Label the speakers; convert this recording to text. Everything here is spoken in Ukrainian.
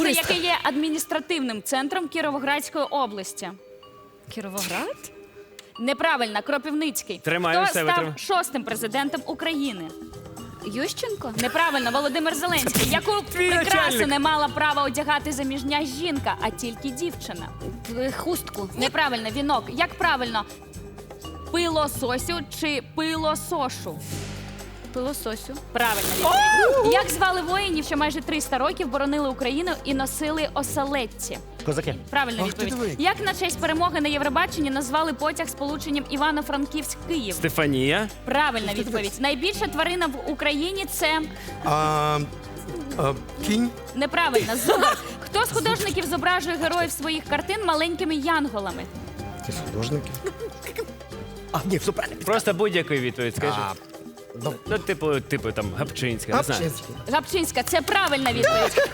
Speaker 1: яке є адміністративним центром Кіровоградської області.
Speaker 2: Кіровоград?
Speaker 1: Неправильно, Кропивницький.
Speaker 3: Тримаю
Speaker 1: Хто
Speaker 3: себе,
Speaker 1: став
Speaker 3: тримаю.
Speaker 1: 6-м президентом України?
Speaker 2: Ющенко?
Speaker 1: Неправильно, Володимир Зеленський. Яку прикрасу
Speaker 3: начальник.
Speaker 1: не мала права одягати заміжня жінка, а тільки дівчина?
Speaker 2: Хустку.
Speaker 1: Неправильно, вінок. Як правильно? Пилососю чи пилосошу?
Speaker 2: Пилососю.
Speaker 1: Правильно відповідь. Як звали воїнів, що майже 300 років боронили Україну і носили оселедці?
Speaker 3: Козаки.
Speaker 1: Правильна
Speaker 4: Ах ти диви.
Speaker 1: відповідь. Як на честь перемоги на Євробаченні назвали потяг з полученням Івано-Франківськ-Київ?
Speaker 3: Стефанія.
Speaker 1: Правильна відповідь. Найбільша тварина в Україні це
Speaker 4: Кінь.
Speaker 1: неправильно. Зубр. Хто з художників зображує героїв своїх картин маленькими янголами?
Speaker 4: Ти художники. А, ні, все правильно.
Speaker 3: Просто будь-яку відповідь скажи.
Speaker 4: Ну,
Speaker 3: Ну, типу там Гапчинська, не знаю.
Speaker 4: Гапчинський.
Speaker 1: Гапчинська. Це правильна відповідь.